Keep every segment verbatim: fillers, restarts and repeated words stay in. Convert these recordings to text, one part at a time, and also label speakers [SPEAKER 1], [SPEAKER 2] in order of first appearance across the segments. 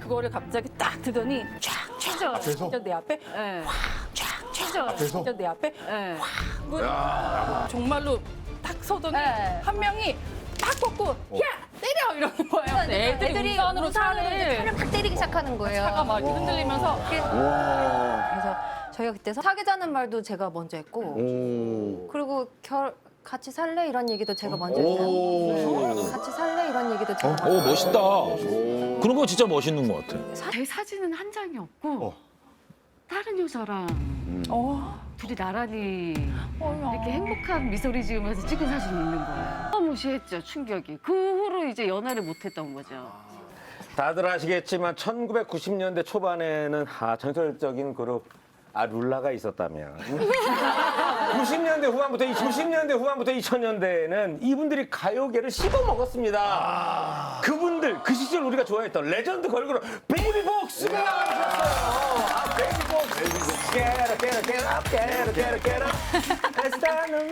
[SPEAKER 1] 그거를 갑자기 딱 드더니 쫙 쫙
[SPEAKER 2] 앞에서?
[SPEAKER 1] 진짜 내 앞에
[SPEAKER 3] 네.
[SPEAKER 1] 쫙쫙
[SPEAKER 2] 앞에서?
[SPEAKER 1] 진짜 내 앞에
[SPEAKER 3] 네.
[SPEAKER 1] 뭐 정말로 딱 서더니
[SPEAKER 3] 네.
[SPEAKER 1] 한 명이 딱 꺾고 야 때려 이러는 거예요. 근데 애들이,
[SPEAKER 3] 애들이
[SPEAKER 1] 우산으로
[SPEAKER 3] 우산으로 이제
[SPEAKER 1] 차를
[SPEAKER 3] 차를 막 때리기 시작하는 거예요.
[SPEAKER 1] 차가 막 이렇게 흔들리면서
[SPEAKER 3] 그래서 저희가 그때 사귀자는 말도 제가 먼저 했고
[SPEAKER 4] 오.
[SPEAKER 3] 그리고 결 같이 살래 이런 얘기도 제가 먼저 했어요. 네. 같이 살래 이런 얘기도 제가 먼저
[SPEAKER 5] 오 멋있다. 그런 거 진짜 멋있는 것 같아.
[SPEAKER 6] 제 사진은 한 장이 없고 다른 여자랑
[SPEAKER 1] 어,
[SPEAKER 6] 둘이 나란히
[SPEAKER 1] 어머.
[SPEAKER 6] 이렇게 행복한 미소를 지으면서 찍은 사진이 있는 거예요. 너무 무시했죠, 충격이. 그 후로 이제 연애를 못했던 거죠.
[SPEAKER 7] 다들 아시겠지만 천구백구십 년대 초반에는 아, 전설적인 그룹 아 룰라가 있었다면 구십 년대 후반부터 구십 년대 후반부터 이천 년대에는 이분들이 가요계를 씹어 먹었습니다. 그분들 그 시절 우리가 좋아했던 레전드 걸그룹 베이비복스가 나와주셨어요. 아, 베이비복스. Get up, get up, get up, get up, get up, get up. Let's start the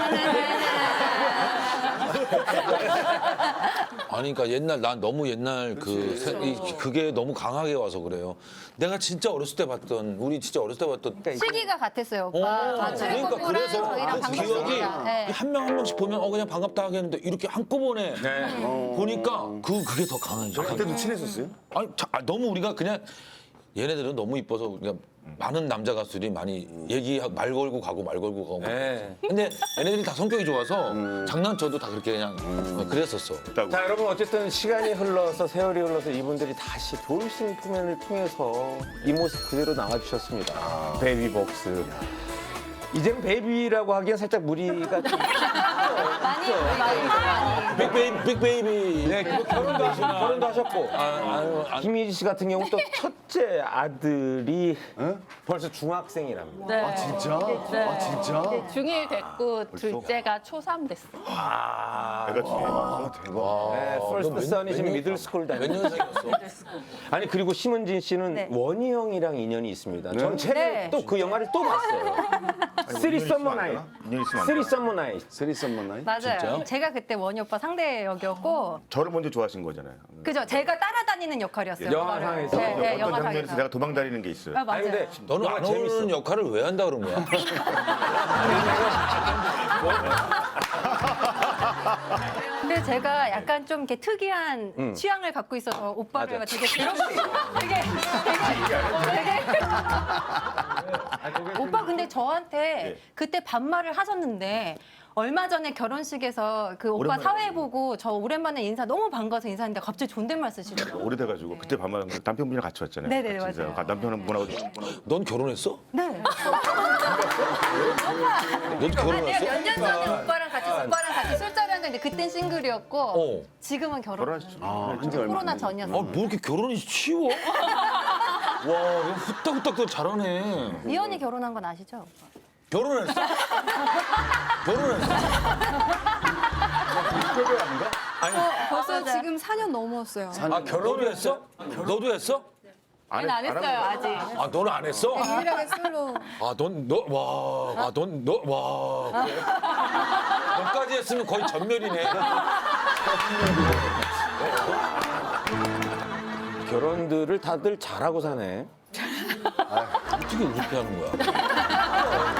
[SPEAKER 5] 아니 그러니까 옛날 난 너무 옛날 그 세- 이- 그게 너무 강하게 와서 그래요. 내가 진짜 어렸을 때 봤던 우리 진짜 어렸을 때 봤던
[SPEAKER 3] 시기가 같았어요, 오빠.
[SPEAKER 5] 어,
[SPEAKER 3] 맞아요.
[SPEAKER 5] 그러니까 그래서
[SPEAKER 3] 저희랑
[SPEAKER 5] 그 기억이
[SPEAKER 3] 반갑습니다. 네.
[SPEAKER 5] 한 명 한 명씩 보면 어 그냥 반갑다 하겠는데 이렇게 한꺼번에 보니까 그 그게 더 강해져.
[SPEAKER 4] 그때도 친했었어요?
[SPEAKER 5] 아니 자, 아, 너무 우리가 그냥 얘네들은 너무 이뻐서 우리가 많은 남자 가수들이 많이 얘기 말 걸고 가고 말 걸고 가고.
[SPEAKER 7] 네.
[SPEAKER 5] 근데 얘네들이 다 성격이 좋아서 장난쳐도 다 그렇게 그냥 어, 그랬었어.
[SPEAKER 7] 자 여러분 어쨌든 시간이 흘러서 세월이 흘러서 이분들이 다시 돌싱 표면을 통해서 이 모습 그대로 나와주셨습니다. 베이비복스. 이제는 베이비라고 하기엔 살짝 무리가 좀
[SPEAKER 3] 많이 많이 많이.
[SPEAKER 5] 빅베이비, 빅베이비.
[SPEAKER 7] 네, 그리고 결혼도, 하셨, 결혼도 하셨고.
[SPEAKER 5] 아유, 아,
[SPEAKER 7] 김희지 씨 같은 경우 또 첫째 아들이 벌써 중학생이랍니다.
[SPEAKER 1] 네.
[SPEAKER 4] 아 진짜? 아 진짜?
[SPEAKER 1] 중일 됐고 둘째가 초삼 됐어.
[SPEAKER 7] 아,
[SPEAKER 4] 내가 중에. 아 대박.
[SPEAKER 7] 네,
[SPEAKER 5] 너
[SPEAKER 7] 퍼스트
[SPEAKER 5] 몇-
[SPEAKER 7] 선이 지금
[SPEAKER 5] 몇 년-
[SPEAKER 7] 미들스쿨
[SPEAKER 5] 몇
[SPEAKER 7] 다니고.
[SPEAKER 5] 년생이었어?
[SPEAKER 7] 아니 그리고 심은진 씨는
[SPEAKER 3] 네.
[SPEAKER 7] 원희 형이랑 인연이 있습니다. 전
[SPEAKER 4] 네?
[SPEAKER 7] 최근에
[SPEAKER 3] 네.
[SPEAKER 7] 또 그 영화를 또 봤어요. 쓰리 썸머 나잇.
[SPEAKER 4] 인연 있으면 안
[SPEAKER 7] 쓰리
[SPEAKER 4] 되나?
[SPEAKER 7] 썸머 나잇.
[SPEAKER 4] 쓰리 썸머 나이?
[SPEAKER 3] 맞아요.
[SPEAKER 5] 진짜요?
[SPEAKER 3] 제가 그때 원희 오빠 상대 역이었고,
[SPEAKER 4] 저를 먼저 좋아하신 거잖아요.
[SPEAKER 3] 그죠? 제가 따라다니는 역할이었어요.
[SPEAKER 7] 영화상에서?
[SPEAKER 3] 네, 네,
[SPEAKER 4] 어떤 장면에서
[SPEAKER 3] 영화상에서.
[SPEAKER 4] 내가 도망다니는 게 있어요.
[SPEAKER 3] 아,
[SPEAKER 7] 아니
[SPEAKER 3] 맞아요.
[SPEAKER 7] 근데
[SPEAKER 5] 너는
[SPEAKER 7] 영화
[SPEAKER 5] 안 어울리는 역할을 왜 한다 그런 거야?
[SPEAKER 3] 근데 제가 약간 좀 이렇게 특이한 취향을 갖고 있어서 오빠를
[SPEAKER 7] 맞아.
[SPEAKER 3] 되게 괴롭게 되게 되게 되게 오빠 근데 저한테 그때 반말을 하셨는데 얼마 전에 결혼식에서 그 오빠
[SPEAKER 4] 오랜만에.
[SPEAKER 3] 사회 보고 저 오랜만에 인사 너무 반가워서 인사했는데 갑자기 존댓말 쓰시더라고요.
[SPEAKER 4] 오래돼가지고 그때 반말 남편분이랑 같이 왔잖아요.
[SPEAKER 3] 네네,
[SPEAKER 4] 같이 인사하고.
[SPEAKER 3] 맞아요.
[SPEAKER 4] 남편분하고
[SPEAKER 5] 넌 결혼했어?
[SPEAKER 3] 네.
[SPEAKER 5] 너도
[SPEAKER 3] 내가
[SPEAKER 5] 결혼했어?
[SPEAKER 3] 몇 년 전에 오빠랑 같이 오빠랑 같이 술자리 한 적인데 그땐 싱글이었고
[SPEAKER 5] 어.
[SPEAKER 3] 지금은 결혼.
[SPEAKER 4] 결혼하셨죠. 아, 한지 얼마
[SPEAKER 3] 코로나
[SPEAKER 4] 안 됐네.
[SPEAKER 3] 전이었어요.
[SPEAKER 5] 아, 뭐 이렇게 결혼이 쉬워? 와, 이거 후딱후딱 잘하네.
[SPEAKER 3] 이현이 결혼한 건 아시죠?
[SPEAKER 5] 결혼했어? 결혼했어?
[SPEAKER 8] 벌써 지금 사 년 넘었어요.
[SPEAKER 5] 아, 결혼을 했어? 너도 했어?
[SPEAKER 4] 안,
[SPEAKER 1] 안 했어요 아직.
[SPEAKER 5] 아, 너는 안 했어?
[SPEAKER 8] 유일하게 솔로.
[SPEAKER 5] 아, 넌, 너, 와, 아, 넌, 너, 와. 그래. 너까지 했으면 거의 전멸이네.
[SPEAKER 7] 결혼들을 다들 잘하고 사네.
[SPEAKER 5] 어떻게 그렇게 하는 거야?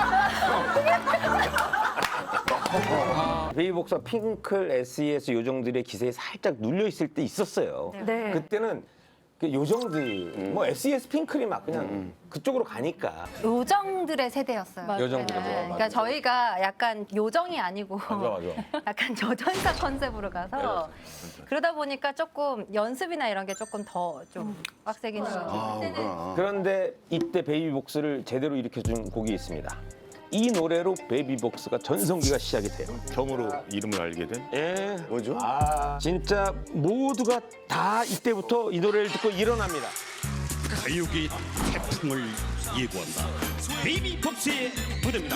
[SPEAKER 7] 베이비복스와 핑클, 에스이에스 요정들의 기세에 살짝 눌려 있을 때 있었어요.
[SPEAKER 3] 네.
[SPEAKER 7] 그때는 그 요정들, 뭐 에스이에스 핑클이 막 그냥 그쪽으로 가니까.
[SPEAKER 3] 요정들의 세대였어요.
[SPEAKER 7] 요정들의
[SPEAKER 3] 네.
[SPEAKER 7] 세대,
[SPEAKER 3] 그러니까 저희가 약간 요정이 아니고
[SPEAKER 5] 맞아, 맞아.
[SPEAKER 3] 약간 저전사 컨셉으로 가서 그러다 보니까 조금 연습이나 이런 게 조금 더 좀 빡세긴 해요.
[SPEAKER 4] 아, 그렇구나.
[SPEAKER 7] 그런데 이때 베이비복스를 제대로 일으켜준 곡이 있습니다. 이 노래로 베이비복스가 전성기가 시작이 돼요.
[SPEAKER 4] 처음으로 이름을 알게 된?
[SPEAKER 7] 예.
[SPEAKER 4] 뭐죠?
[SPEAKER 7] 아, 진짜 모두가 다 이때부터 이 노래를 듣고 일어납니다.
[SPEAKER 9] 가요계의 태풍을 예고한다. 베이비복스의 무대입니다.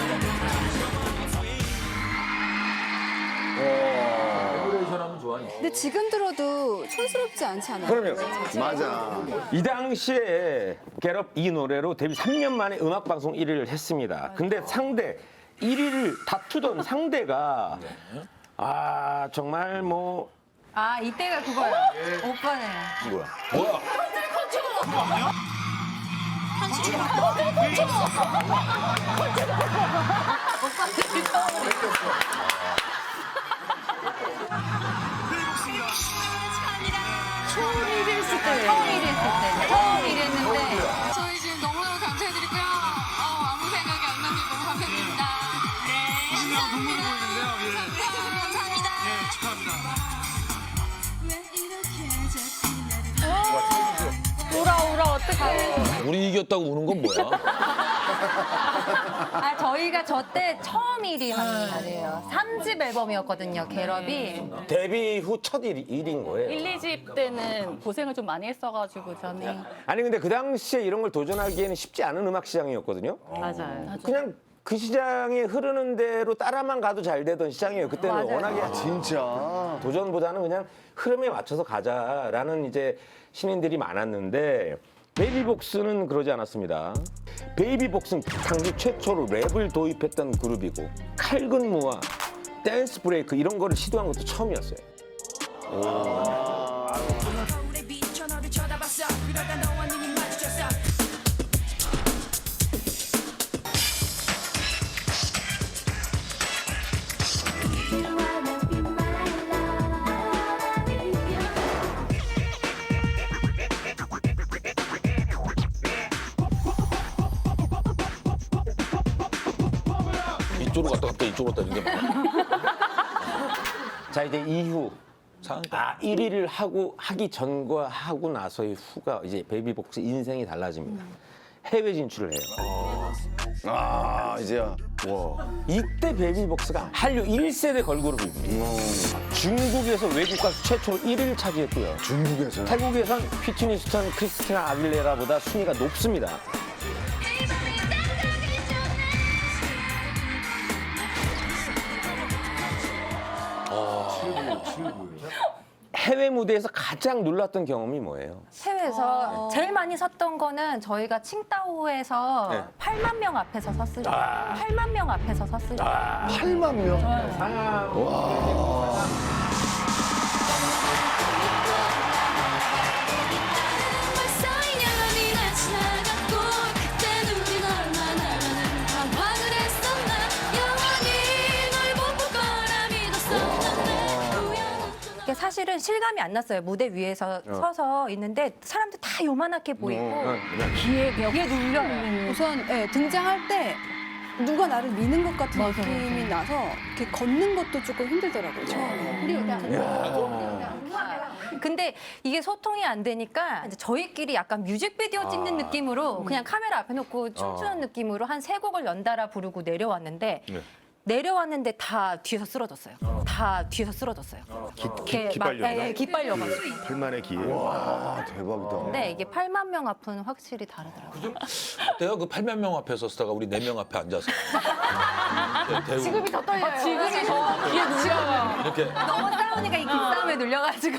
[SPEAKER 5] 레귤레이션 하면 좋아하니?
[SPEAKER 3] 근데
[SPEAKER 8] 지금 들어도 촌스럽지 않지 않아요?
[SPEAKER 7] 그럼요.
[SPEAKER 4] 맞아.
[SPEAKER 7] 이 당시에 겟업 이 노래로 데뷔 삼 년 만에 음악방송 일 위를 했습니다. 근데 상대 일 위를 다투던 상대가 아 정말 뭐
[SPEAKER 3] 아 이때가 그거야. 오빠네.
[SPEAKER 4] 뭐야?
[SPEAKER 5] 뭐야?
[SPEAKER 3] 처음 일했을 때. 처음 일했을 때. 처음 일했는데.
[SPEAKER 2] 저희 지금 너무너무 감사드리고요. 어, 아무 생각이 안 나는데 너무 감사드립니다. 네.
[SPEAKER 9] 신나고 눈물이 보이는데요. 예.
[SPEAKER 2] 감사합니다. 감사합니다.
[SPEAKER 9] 예, 축하합니다.
[SPEAKER 3] 울어 울어 어떡해.
[SPEAKER 5] 우리 이겼다고 우는 건 뭐야?
[SPEAKER 3] 아 저희가 저 때 처음 일 위 하는 날이에요. 삼 집 앨범이었거든요. 겟업이.
[SPEAKER 7] 데뷔 후 첫 일인 거예요.
[SPEAKER 1] 일, 이 집 때는 고생을 좀 많이 했어가지고 저는
[SPEAKER 7] 아니 근데 그 당시에 이런 걸 도전하기에는 쉽지 않은 음악 시장이었거든요.
[SPEAKER 6] 맞아요.
[SPEAKER 7] 그냥 그 시장에 흐르는 대로 따라만 가도 잘 되던 시장이에요. 그때는
[SPEAKER 3] 맞아요.
[SPEAKER 7] 워낙에
[SPEAKER 4] 진짜.
[SPEAKER 7] 도전보다는 그냥 흐름에 맞춰서 가자라는 이제 신인들이 많았는데 베이비복스는 그러지 않았습니다. 베이비복스는 당시 최초로 랩을 도입했던 그룹이고 칼군무와 댄스 브레이크 이런 거를 시도한 것도 처음이었어요.
[SPEAKER 5] 이쪽으로 갔다 갔다 이쪽으로 갔다 이게 뭐야?
[SPEAKER 7] 자 이제 이후
[SPEAKER 5] 상한가.
[SPEAKER 7] 아 일 위를 하고 하기 전과 하고 나서의 후가 이제 베이비복스 인생이 달라집니다. 해외 진출을 해요.
[SPEAKER 4] 아, 이제야. 와.
[SPEAKER 7] 이때 베이비복스가 한류 일 세대 걸그룹입니다. 중국에서 외국 가수 최초로 일 위를 차지했고요.
[SPEAKER 4] 중국에서.
[SPEAKER 7] 태국에선 휘트니 스턴, 크리스티나 아길레라보다 순위가 높습니다. 해외 무대에서 가장 놀랐던 경험이 뭐예요?
[SPEAKER 3] 해외에서 제일 많이 섰던 거는 저희가 칭다오에서
[SPEAKER 7] 네.
[SPEAKER 3] 팔만 명 앞에서 섰을 때. 팔만 명 앞에서 섰을 때.
[SPEAKER 4] 팔만 명.
[SPEAKER 3] 이게 사실은 실감이 안 났어요. 무대 위에서 서서 있는데 사람들 다 요만하게 보이고 귀에 귀에 눌려요.
[SPEAKER 8] 우선 예, 등장할 때 누가 나를 미는 것 같은 느낌이 나서 이렇게 걷는 것도 조금 힘들더라고요. 처음에.
[SPEAKER 3] 근데 이게 소통이 안 되니까 이제 저희끼리 약간 뮤직비디오 찍는 느낌으로 그냥 카메라 앞에 놓고 춤추는 느낌으로 한 세 곡을 연달아 부르고 내려왔는데 내려왔는데 다 뒤에서 쓰러졌어요. 다 뒤에서 쓰러졌어요.
[SPEAKER 4] 기,
[SPEAKER 3] 이렇게
[SPEAKER 4] 기,
[SPEAKER 3] 막-
[SPEAKER 4] 기빨려.
[SPEAKER 3] 예, 예, 기빨려가지고.
[SPEAKER 4] 팔만의 기회. 와, 대박이다.
[SPEAKER 3] 근데 이게 팔만 명 앞은 확실히 다르더라고요.
[SPEAKER 5] 내가 그 팔만 명 앞에 섰다가 우리 네 명 앞에 앉아서 대우
[SPEAKER 1] 지금이 더 떨려요. 지금이 더 귀에 눌려요.
[SPEAKER 5] 이렇게
[SPEAKER 3] 너무 싸우니까 이 기싸움에 눌려가지고.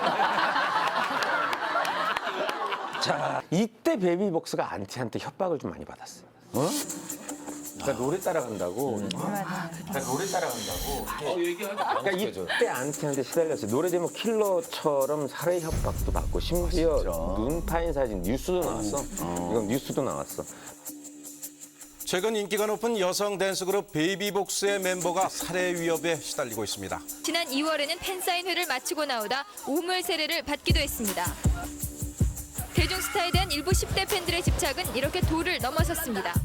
[SPEAKER 7] 자, 이때 베이비복스가 안티한테 협박을 좀 많이 받았어요. 어? 그러니까 노래 따라간다고. 그러니까 노래 따라간다고.
[SPEAKER 5] 어, 얘기하기
[SPEAKER 7] 그러니까
[SPEAKER 5] 당황해져.
[SPEAKER 7] 이때 안티한테 시달렸어요. 노래 제목 킬러처럼 살해 협박도 받고 심지어 눈 파인 사진 뉴스도 나왔어. 이건 뉴스도 나왔어.
[SPEAKER 10] 최근 인기가 높은 여성 댄스 그룹 베이비복스의 멤버가 살해 위협에 시달리고 있습니다.
[SPEAKER 2] 지난 이월에는 팬사인회를 마치고 나오다 오물 세례를 받기도 했습니다. 대중스타에 대한 일부 십 대 팬들의 집착은 이렇게 도를 넘어섰습니다.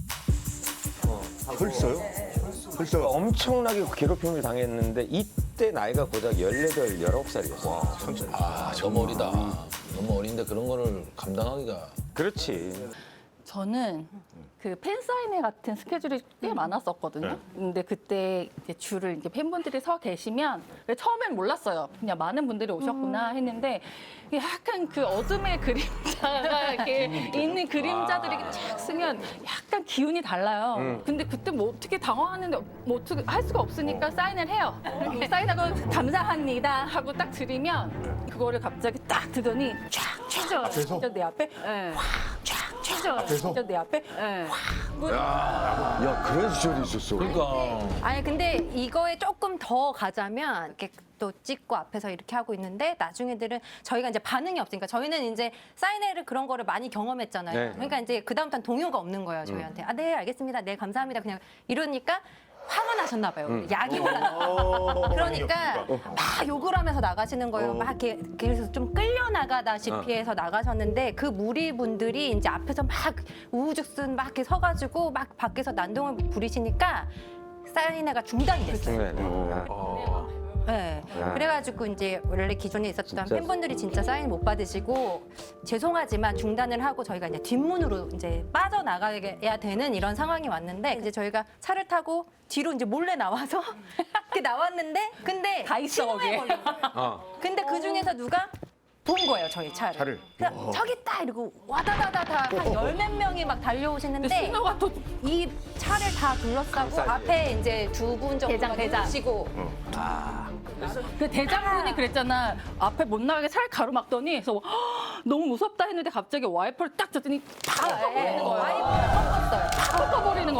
[SPEAKER 4] 벌써요? 벌써.
[SPEAKER 7] 엄청나게 괴롭힘을 당했는데 이때 나이가 고작 열여덟, 열아홉 살이었어.
[SPEAKER 5] 아, 너무 어리다. 너무 어린데 그런 거를 감당하기가.
[SPEAKER 7] 그렇지.
[SPEAKER 1] 저는 그 팬사인회 같은 스케줄이 꽤 많았었거든요. 근데 그때 이제 줄을 이렇게 팬분들이 서 계시면 처음엔 몰랐어요. 그냥 많은 분들이 오셨구나 했는데 약간 그 어둠의 그림자가 이렇게 있는 그림자들이 이렇게 쫙 쓰면 약간 기운이 달라요. 근데 그때 뭐 어떻게 당황하는데 뭐 어떻게 할 수가 없으니까 사인을 해요. 이렇게 사인하고 감사합니다 하고 딱 드리면 그거를 갑자기 딱 드더니 쫙 쫙 진짜 내 앞에
[SPEAKER 6] 네.
[SPEAKER 1] 쫙 쫙 진짜 내 앞에
[SPEAKER 6] 네.
[SPEAKER 4] 야, 그런 시절이 있었어.
[SPEAKER 5] 그러니까
[SPEAKER 3] 아니 근데 이거에 조금 더 가자면 이렇게 또 찍고 앞에서 이렇게 하고 있는데 나중 애들은 저희가 이제 반응이 없으니까 저희는 이제 사인회를 그런 거를 많이 경험했잖아요.
[SPEAKER 7] 네.
[SPEAKER 3] 그러니까 이제 그다음부터는 동요가 없는 거예요 저희한테. 아 네 알겠습니다. 네 감사합니다. 그냥 이러니까 화가 나셨나 봐요. 약이 올라. 그러니까 막 욕을 하면서 나가시는 거예요. 막 이렇게 그래서 좀 끌려 나가다시피 해서 나가셨는데 그 무리분들이 이제 앞에서 막 우후죽순 막 이렇게 서가지고 막 밖에서 난동을 부리시니까 사인회가 중단이 됐어요.
[SPEAKER 7] 네, 네.
[SPEAKER 3] 네.
[SPEAKER 7] 야.
[SPEAKER 3] 그래가지고 이제 원래 기존에 있었던
[SPEAKER 7] 진짜.
[SPEAKER 3] 팬분들이 진짜 사인 못 받으시고 죄송하지만 중단을 하고 저희가 이제 뒷문으로 이제 빠져나가야 되는 이런 상황이 왔는데 이제 저희가 차를 타고 뒤로 이제 몰래 나와서 이렇게 나왔는데 근데
[SPEAKER 1] 다 있어,
[SPEAKER 3] 신호에
[SPEAKER 1] 거기에.
[SPEAKER 3] 걸린 거예요.
[SPEAKER 7] 어.
[SPEAKER 3] 근데 그 중에서 누가 본 거예요 저희 차를.
[SPEAKER 4] 차를?
[SPEAKER 3] 그래서 저기 있다 이러고 와다다다다 한 열 몇 명이 막 달려오시는데
[SPEAKER 1] 신호가 또
[SPEAKER 3] 이 차를 다 둘러싸고 앞에 이제 두 분 정도가
[SPEAKER 1] 대장, 대장.
[SPEAKER 3] 누우시고
[SPEAKER 1] 그 대장군이 그랬잖아. 앞에 못 나가게 차를 가로막더니 그래서 뭐, "헉, 너무 무섭다 했는데 갑자기 와이퍼를 딱 줬더니 팍 꺾어버리는 거예요.
[SPEAKER 3] 와이프가 꺾었어요.
[SPEAKER 1] 팍 꺾어버리는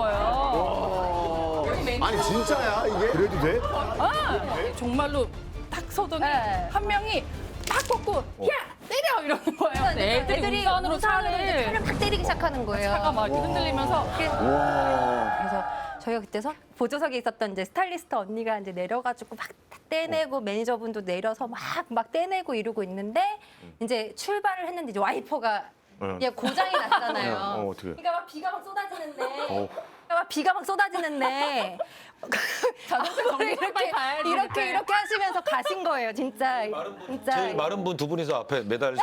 [SPEAKER 1] 거예요.
[SPEAKER 4] 아니, 진짜야, 이게? 그래도 돼?
[SPEAKER 1] 아, 정말로 딱 서더니
[SPEAKER 3] 네.
[SPEAKER 1] 한 명이 팍 꺾고 야 때려 이러는 거예요.
[SPEAKER 3] 그러니까
[SPEAKER 1] 애들이,
[SPEAKER 3] 애들이
[SPEAKER 1] 우산으로
[SPEAKER 3] 우산으로 이제
[SPEAKER 1] 차를
[SPEAKER 3] 차를 팍 때리기 시작하는 거예요.
[SPEAKER 1] 차가 막 이렇게 흔들리면서
[SPEAKER 4] 와.
[SPEAKER 3] 그래서 저희가 그때서 보조석에 있었던 이제 스타일리스트 언니가 이제 내려가지고 막 떼내고 매니저분도 내려서 막 막 떼내고 이러고 있는데 이제 출발을 했는데 이제 와이퍼가 이게 고장이 났잖아요.
[SPEAKER 4] 어, 어떡해.
[SPEAKER 3] 그러니까 막 비가 막 쏟아지는데, 그러니까 막 비가 막 쏟아지는데
[SPEAKER 1] 자동차
[SPEAKER 3] 그거를
[SPEAKER 1] 정비 빨리 가야지.
[SPEAKER 3] 이렇게 이렇게 하시면서 가신 거예요, 진짜. 진짜.
[SPEAKER 5] 제일 마른 분 두 분이서 앞에 매달려서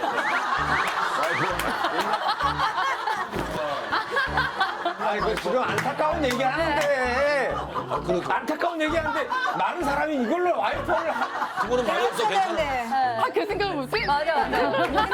[SPEAKER 7] 아니, 그 지금 안타까운 얘기 하는데.
[SPEAKER 5] 아, 그러니까
[SPEAKER 7] 안타까운 얘기 하는데 많은 사람이 이걸로 와이퍼를 하-
[SPEAKER 5] 두 분은 말이 없어 괜찮아.
[SPEAKER 1] 아, 그 생각을 못해?
[SPEAKER 3] 맞아, 맞아.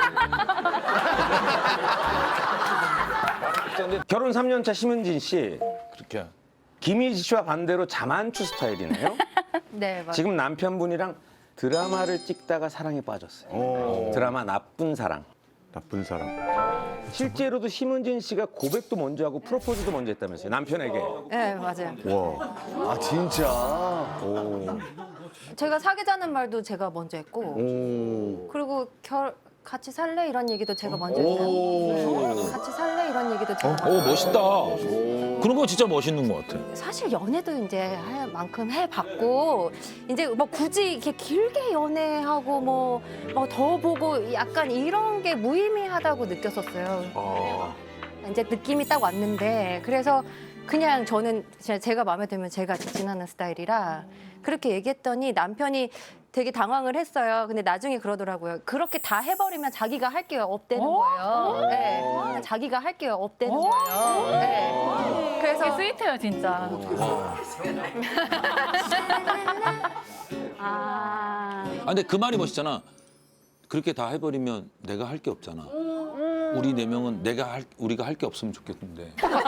[SPEAKER 7] 근데 결혼 삼 년 차 심은진 씨,
[SPEAKER 5] 그렇게
[SPEAKER 7] 김희지 씨와 반대로 자만추 스타일이네요.
[SPEAKER 3] 네, 맞아.
[SPEAKER 7] 지금 남편분이랑 드라마를 찍다가 사랑에 빠졌어요.
[SPEAKER 4] 오.
[SPEAKER 7] 드라마 나쁜 사랑.
[SPEAKER 4] 나쁜 사람.
[SPEAKER 7] 실제로도 심은진 씨가 고백도 먼저 하고 프로포즈도 먼저 했다면서요, 남편에게.
[SPEAKER 3] 네, 맞아요.
[SPEAKER 4] 와. 아, 진짜? 오.
[SPEAKER 3] 제가 사귀자는 말도 제가 먼저 했고,
[SPEAKER 4] 오.
[SPEAKER 3] 그리고 결 같이 살래 이런 얘기도 제가 먼저
[SPEAKER 4] 오.
[SPEAKER 3] 했어요. 네. 같이 살래 이런 얘기도 제가 먼저
[SPEAKER 5] 오 멋있다. 그런 거 진짜 멋있는 것 같아.
[SPEAKER 3] 사실 연애도 이제 할 만큼 해봤고 이제 뭐 굳이 이렇게 길게 연애하고 뭐 뭐 더 보고 약간 이런 게 무의미하다고 느꼈었어요. 이제 느낌이 딱 왔는데 그래서 그냥 저는 진짜 제가 마음에 들면 제가 직진하는 스타일이라 그렇게 얘기했더니 남편이 되게 당황을 했어요. 근데 나중에 그러더라고요. 그렇게 다 해버리면 자기가 할 게 없대는 거예요. 네. 자기가 할 게 없대는 거예요. 네.
[SPEAKER 1] 그래서
[SPEAKER 3] 그래서
[SPEAKER 1] 스위트해요, 진짜.
[SPEAKER 3] 아.
[SPEAKER 5] 아 근데 그 말이 멋있잖아. 그렇게 다 해버리면 내가 할 게 없잖아. 우리 네 명은 내가 할 우리가 할 게 없으면 좋겠는데.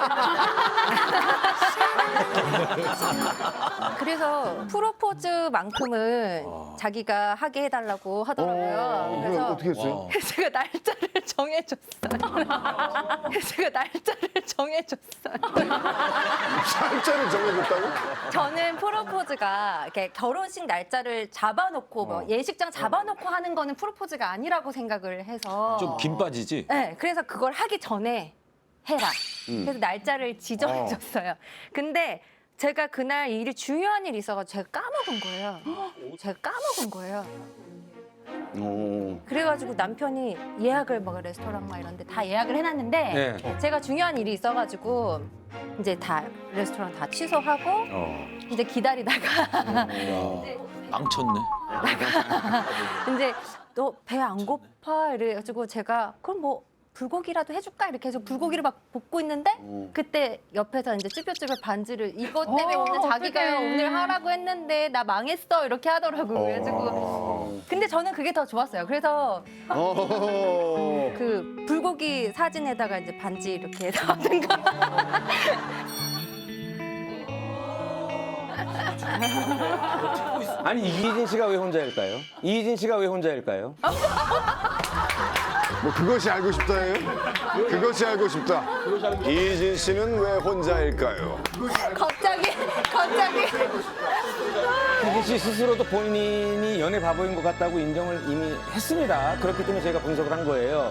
[SPEAKER 3] 그래서 프로포즈만큼은 자기가 하게 해달라고 하더라고요.
[SPEAKER 4] 그래,
[SPEAKER 3] 그래서
[SPEAKER 4] 어떻게 했어요?
[SPEAKER 3] 제가 날짜를 정해줬어요. 제가 날짜를 정해줬어요.
[SPEAKER 4] 날짜를 정해줬다고?
[SPEAKER 3] 저는 프로포즈가 이렇게 결혼식 날짜를 잡아놓고 뭐 예식장 잡아놓고 하는 거는 프로포즈가 아니라고 생각을 해서
[SPEAKER 5] 좀 긴 빠지지.
[SPEAKER 3] 네, 그래서 그걸 하기 전에 해라. 그래서 날짜를 지정해줬어요. 근데 제가 그날 일이 중요한 일이 있어가지고 제가 까먹은 거예요. 제가 까먹은 거예요.
[SPEAKER 4] 오.
[SPEAKER 3] 그래가지고 남편이 예약을 막 레스토랑 막 이런 데 다 예약을 해놨는데
[SPEAKER 7] 네.
[SPEAKER 3] 제가 중요한 일이 있어가지고 이제 다 레스토랑 다 취소하고
[SPEAKER 7] 어.
[SPEAKER 3] 이제 기다리다가
[SPEAKER 5] 망쳤네.
[SPEAKER 3] 이제 너 배 안 고파? 이래가지고 제가 그럼 뭐 불고기라도 해줄까 이렇게 해서 불고기를 막 볶고 있는데 그때 옆에서 이제 쭈뼛쭈뼛 반지를 이것 때문에
[SPEAKER 1] 어,
[SPEAKER 3] 오늘 자기가
[SPEAKER 1] 어떡해.
[SPEAKER 3] 오늘 하라고 했는데 나 망했어 이렇게 하더라고요. 그래가지고 근데 저는 그게 더 좋았어요. 그래서
[SPEAKER 4] 어.
[SPEAKER 3] 그 불고기 사진에다가 이제 반지 이렇게 해서 하든가.
[SPEAKER 7] 아니 이희진 씨가 왜 혼자일까요? 이희진 씨가 왜 혼자일까요?
[SPEAKER 4] 뭐 그것이 알고 싶다예요? 그것이 알고 싶다. 이진 씨는 왜 혼자일까요?
[SPEAKER 3] 갑자기 갑자기
[SPEAKER 7] 이희진 씨 스스로도 본인이 연애 바보인 것 같다고 인정을 이미 했습니다. 그렇기 때문에 저희가 분석을 한 거예요.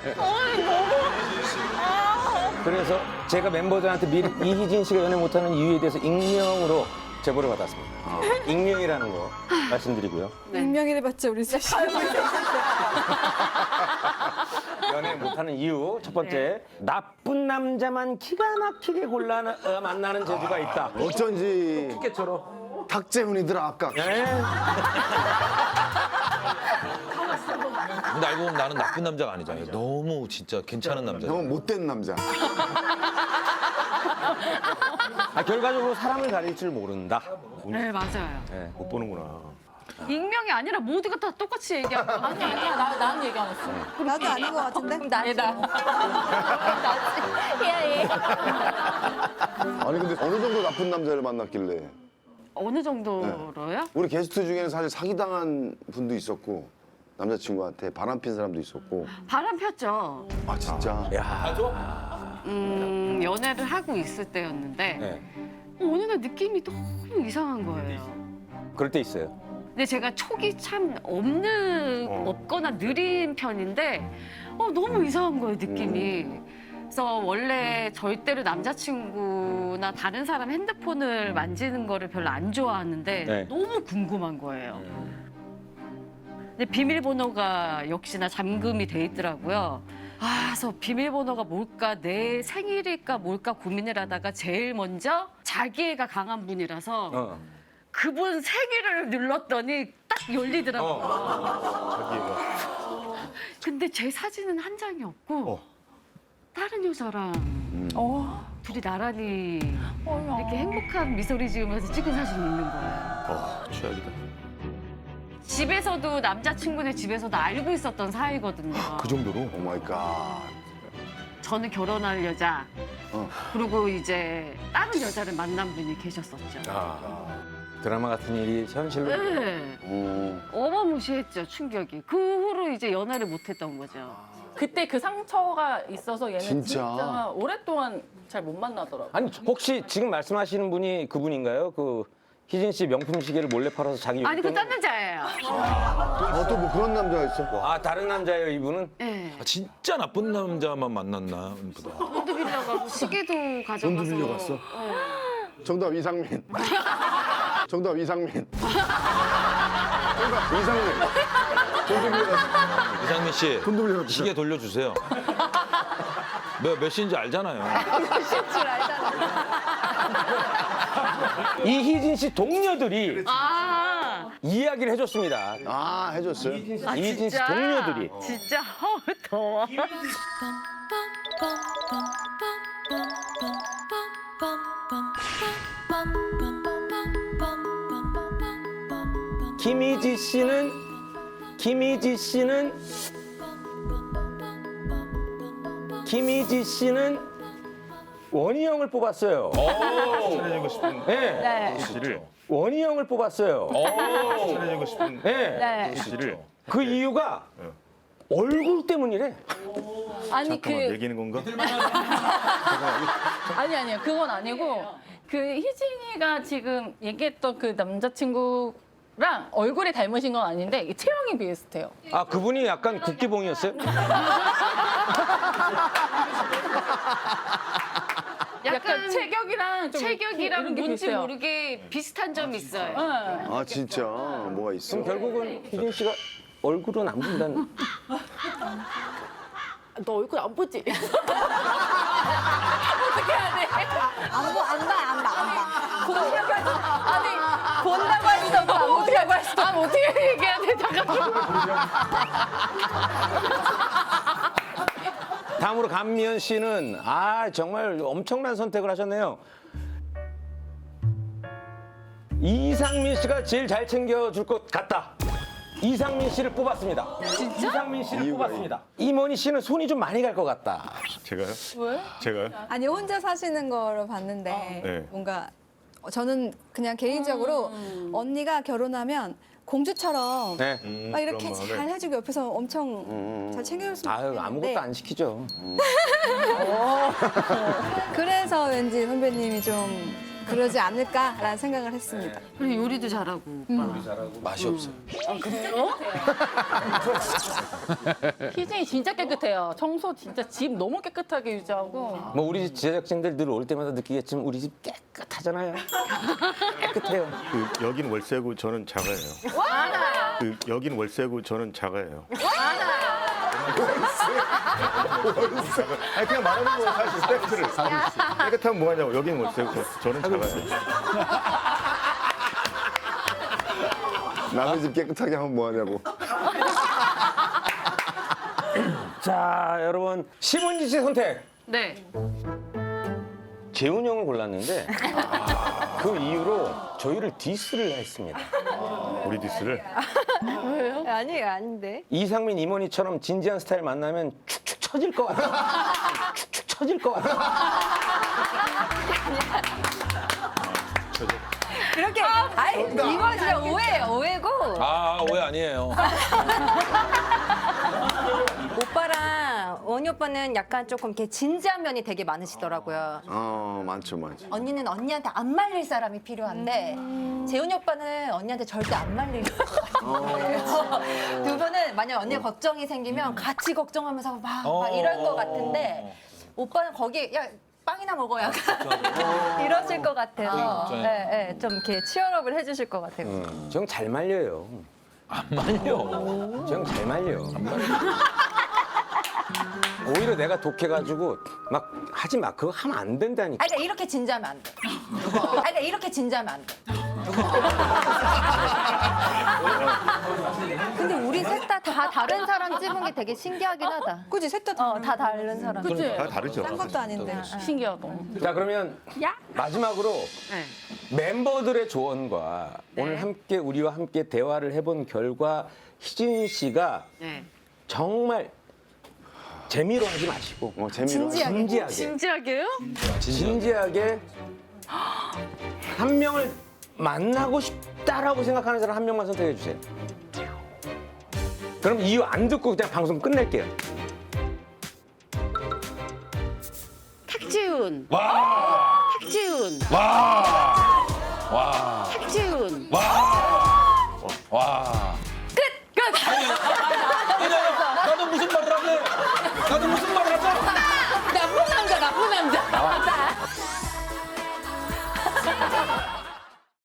[SPEAKER 7] 그래서 제가 멤버들한테 미리 이희진 씨가 연애 못하는 이유에 대해서 익명으로 제보를 받았습니다. 익명이라는 거 말씀드리고요.
[SPEAKER 8] 익명이래 봤자 우리 셋이.
[SPEAKER 7] 연애 못하는 이유 첫 번째 나쁜 남자만 기가 막히게 골라 어, 만나는 재주가 있다.
[SPEAKER 4] 어쩐지
[SPEAKER 7] 티켓처럼.
[SPEAKER 4] 탁재훈이더라 아까.
[SPEAKER 7] 예.
[SPEAKER 5] 근데 알고 보면 나는 나쁜 남자가 아니잖아요. 너무 진짜 괜찮은 남자.
[SPEAKER 4] 너무 못된 남자.
[SPEAKER 7] 아, 결과적으로 사람을 가릴 줄 모른다.
[SPEAKER 6] 네, 맞아요.
[SPEAKER 7] 예, 못 보는구나.
[SPEAKER 6] 익명이 아니라 모두가 다 똑같이 얘기한 거.
[SPEAKER 1] 아니 아니야 나 나는 얘기 안 했어.
[SPEAKER 8] 나도 아닌 것 같은데.
[SPEAKER 3] 나지. 나지. 예, 예.
[SPEAKER 4] 아니 근데 어느 정도 나쁜 남자를 만났길래?
[SPEAKER 6] 어느 정도로요?
[SPEAKER 4] 우리 게스트 중에는 사실 사기당한 분도 있었고 남자친구한테 바람핀 사람도 있었고.
[SPEAKER 6] 바람 폈죠.
[SPEAKER 4] 아 진짜?
[SPEAKER 7] 야,
[SPEAKER 6] 음, 연애를 하고 있을 때였는데
[SPEAKER 7] 네.
[SPEAKER 6] 어느 날 느낌이 너무 이상한 거예요.
[SPEAKER 7] 그럴 때 있어요.
[SPEAKER 6] 근데 제가 촉이 참 없는
[SPEAKER 7] 어.
[SPEAKER 6] 없거나 느린 편인데 어, 너무 이상한 거예요 느낌이. 그래서 원래 절대로 남자친구나 다른 사람 핸드폰을 만지는 거를 별로 안 좋아하는데
[SPEAKER 7] 네.
[SPEAKER 6] 너무 궁금한 거예요. 근데 비밀번호가 역시나 잠금이 돼 있더라고요. 아, 그래서 비밀번호가 뭘까, 내 생일일까 뭘까 고민을 하다가 제일 먼저 자기애가 강한 분이라서
[SPEAKER 7] 어.
[SPEAKER 6] 그분 생일을 눌렀더니 딱 열리더라고요.
[SPEAKER 7] 어.
[SPEAKER 6] 근데 제 사진은 한 장이 없고
[SPEAKER 7] 어.
[SPEAKER 6] 다른 여자랑
[SPEAKER 1] 어.
[SPEAKER 6] 둘이 나란히
[SPEAKER 1] 어머.
[SPEAKER 6] 이렇게 행복한 미소를 지으면서 찍은 사진이 있는 거예요.
[SPEAKER 10] 어, 최악이다.
[SPEAKER 6] 집에서도 남자친구네 집에서도 알고 있었던 사이거든요.
[SPEAKER 10] 그 정도로?
[SPEAKER 4] 오 마이 갓.
[SPEAKER 6] 저는 결혼할 여자,
[SPEAKER 4] 어.
[SPEAKER 6] 그리고 이제 다른 여자를 만난 분이 계셨었죠.
[SPEAKER 7] 아, 드라마 같은 일이 현실로.
[SPEAKER 6] 네.
[SPEAKER 4] 어.
[SPEAKER 6] 어마무시했죠, 충격이. 그 후로 이제 연애를 못했던 거죠.
[SPEAKER 1] 그때 그 상처가 있어서 얘는
[SPEAKER 4] 진짜?
[SPEAKER 1] 진짜, 오랫동안 잘 못 만나더라고.
[SPEAKER 7] 아니 혹시 지금 말씀하시는 분이 그분인가요? 그 희진 씨 명품 시계를 몰래 팔아서 자기
[SPEAKER 6] 아니, 그
[SPEAKER 7] 용돈을-
[SPEAKER 6] 딴 여자예요.
[SPEAKER 4] 어, 또 뭐 그런 남자가 있어?
[SPEAKER 7] 아 다른 남자예요 이분은?
[SPEAKER 6] 네.
[SPEAKER 5] 아, 진짜 나쁜 남자만 만났나 보다.
[SPEAKER 6] 돈도 빌려가고 시계도 가져가서.
[SPEAKER 4] 돈도 빌려갔어?
[SPEAKER 6] 네.
[SPEAKER 4] 정답 이상민. 정답 이상민. 정답 이상민. 돈도 빌려갔어.
[SPEAKER 5] 이상민 씨,
[SPEAKER 4] 돈도 빌려갔어.
[SPEAKER 5] 시계 돌려주세요. 몇, 몇 시인지 알잖아요.
[SPEAKER 3] 줄 알잖아.
[SPEAKER 7] 이희진 씨 동료들이
[SPEAKER 6] 아,
[SPEAKER 7] 이야기를 해줬습니다.
[SPEAKER 4] 아 해줬어요?
[SPEAKER 6] 아,
[SPEAKER 7] 이희진 씨
[SPEAKER 6] 진짜?
[SPEAKER 7] 동료들이.
[SPEAKER 6] 진짜 어우, 더워.
[SPEAKER 7] 김희지 씨는 김희지 씨는 김희지 씨는 원희 형을 뽑았어요.
[SPEAKER 10] 친해지고 싶은
[SPEAKER 7] 네.
[SPEAKER 3] 네.
[SPEAKER 10] 씨를.
[SPEAKER 7] 원희 형을 뽑았어요.
[SPEAKER 10] 친해지고 싶은
[SPEAKER 7] 네.
[SPEAKER 3] 네.
[SPEAKER 10] 씨를.
[SPEAKER 7] 그 이유가 얼굴 때문이래.
[SPEAKER 1] 아니
[SPEAKER 10] 잠깐만
[SPEAKER 1] 그
[SPEAKER 10] 매기는 건가?
[SPEAKER 1] 아니 아니요 그건 아니고 그 희진이가 지금 얘기했던 그 남자친구랑 얼굴이 닮으신 건 아닌데 이 체형이 비슷해요.
[SPEAKER 7] 아 그분이 약간 국기봉이었어요?
[SPEAKER 1] 약간 체격이랑 좀
[SPEAKER 6] 체격이랑
[SPEAKER 1] 이런 게
[SPEAKER 6] 뭔지
[SPEAKER 1] 비슷해요.
[SPEAKER 6] 모르게 비슷한 점이 있어요.
[SPEAKER 1] 네.
[SPEAKER 4] 아 진짜 뭐가 있어?
[SPEAKER 7] 그럼 결국은 희진 씨가 얼굴은 안 본다는.
[SPEAKER 1] 너 얼굴 안 보지?
[SPEAKER 3] 안 봐, 안 봐, 안 봐, 안 봐. 본다고 할 수, 아니, 본다고 할 수도 없고, 안 본다고 할 수도
[SPEAKER 1] 아 어떻게 얘기해야 돼? 잠깐만.
[SPEAKER 7] 강미연 씨는 아 정말 엄청난 선택을 하셨네요. 이상민 씨가 제일 잘 챙겨줄 것 같다. 이상민 씨를 뽑았습니다. 진짜? 이상민 씨를
[SPEAKER 4] 이유가
[SPEAKER 7] 뽑았습니다. 이모니 씨는 손이 좀 많이 갈 것 같다.
[SPEAKER 4] 제가요?
[SPEAKER 1] 왜?
[SPEAKER 4] 제가요?
[SPEAKER 8] 아니 혼자 사시는 거로 봤는데
[SPEAKER 4] 네.
[SPEAKER 8] 뭔가 저는 그냥 개인적으로 언니가 결혼하면 공주처럼
[SPEAKER 7] 네.
[SPEAKER 8] 막 이렇게 잘 해주고 옆에서 엄청 잘 챙겨줬으면
[SPEAKER 7] 아유
[SPEAKER 8] 좋겠는데
[SPEAKER 7] 아무것도 안 시키죠.
[SPEAKER 8] 그래서 왠지 선배님이 좀 그러지 않을까라는 생각을 했습니다.
[SPEAKER 6] 그리고 요리도 잘하고 오빠.
[SPEAKER 5] 맛이 없어요.
[SPEAKER 1] 희진이 진짜 깨끗해요. 청소 진짜 집 너무 깨끗하게 유지하고.
[SPEAKER 7] 뭐 우리 집 제작진들 늘 올 때마다 느끼겠지만 우리 집 깨끗하잖아요. 깨끗해요.
[SPEAKER 11] 그 여긴 월세고 저는 자가예요. 그 여긴 월세고 저는 자가예요.
[SPEAKER 4] 아니 그냥 말하는 거예요 사실 팩트를.
[SPEAKER 11] 깨끗하면 뭐하냐고. 여긴 월세고 저는 자가예요.
[SPEAKER 4] 남의 집 깨끗하게 하면 뭐하냐고.
[SPEAKER 7] 자 여러분 심은지 씨 선택.
[SPEAKER 6] 네.
[SPEAKER 7] 재훈 형을 골랐는데 그 이후로 저희를 디스를 했습니다.
[SPEAKER 11] 우리 디스를.
[SPEAKER 8] 아니에요, 아닌데.
[SPEAKER 7] 이상민 이모니처럼 진지한 스타일 만나면 축축 처질 것 같아. 축축 처질 것 같아.
[SPEAKER 3] 그렇게 아이 이거 진짜 오해예요. 오해고
[SPEAKER 5] 아 오해 아니에요.
[SPEAKER 3] 오빠랑 원희 오빠는 약간 조금 이렇게 진지한 면이 되게 많으시더라고요.
[SPEAKER 4] 어 많죠 많죠.
[SPEAKER 3] 언니는 언니한테 안 말릴 사람이 필요한데 재훈이 오빠는 언니한테 절대 안 말릴 것 같아요. 두 분은 만약 언니가 걱정이 생기면 같이 걱정하면서 막, 막 이럴 것 같은데 오빠는 거기 야 빵이나 먹어 약간 이러실 것 같아서
[SPEAKER 5] 그렇죠.
[SPEAKER 3] 예, 예, 좀 이렇게 치열업을 해주실 것 같아요.
[SPEAKER 7] 음, 저 형 잘 말려요.
[SPEAKER 5] 안 말려.
[SPEAKER 7] 저 형 잘 말려. 오히려 내가 독해가지고 막 하지 마. 그거 하면 안 된다니까.
[SPEAKER 3] 아니, 그러니까 이렇게 진지하면 안 돼. 아니, 그러니까 이렇게 진지하면 안 돼. 근데 우리 셋 다 다 다른 사람 찍은 게 되게 신기하긴 하다.
[SPEAKER 8] 그지 셋 다
[SPEAKER 3] 어, 다 다른 사람.
[SPEAKER 1] 그치?
[SPEAKER 11] 다 다르죠.
[SPEAKER 8] 딴 것도 아닌데.
[SPEAKER 1] 신기하다.
[SPEAKER 7] 자 그러면 마지막으로
[SPEAKER 6] 네.
[SPEAKER 7] 멤버들의 조언과 오늘 함께 우리와 함께 대화를 해본 결과 희진 씨가
[SPEAKER 6] 네.
[SPEAKER 7] 정말 재미로 하지 마시고
[SPEAKER 4] 어 재미로.
[SPEAKER 8] 진지하게.
[SPEAKER 7] 진지하게
[SPEAKER 6] 진지하게요?
[SPEAKER 7] 진지하게 한 명을 만나고 싶다라고 생각하는 사람 한 명만 선택해 주세요. 그럼 이유 안 듣고 그냥 방송 끝낼게요.
[SPEAKER 6] 탁지훈.
[SPEAKER 5] 와.
[SPEAKER 6] 탁지훈.
[SPEAKER 5] 와. 와.
[SPEAKER 6] 탁지훈.
[SPEAKER 5] 와. 끝. 끝. 나도 무슨 말을 하래? 나도 무슨 말을 하자?
[SPEAKER 1] 나쁜 남자, 나쁜 남자.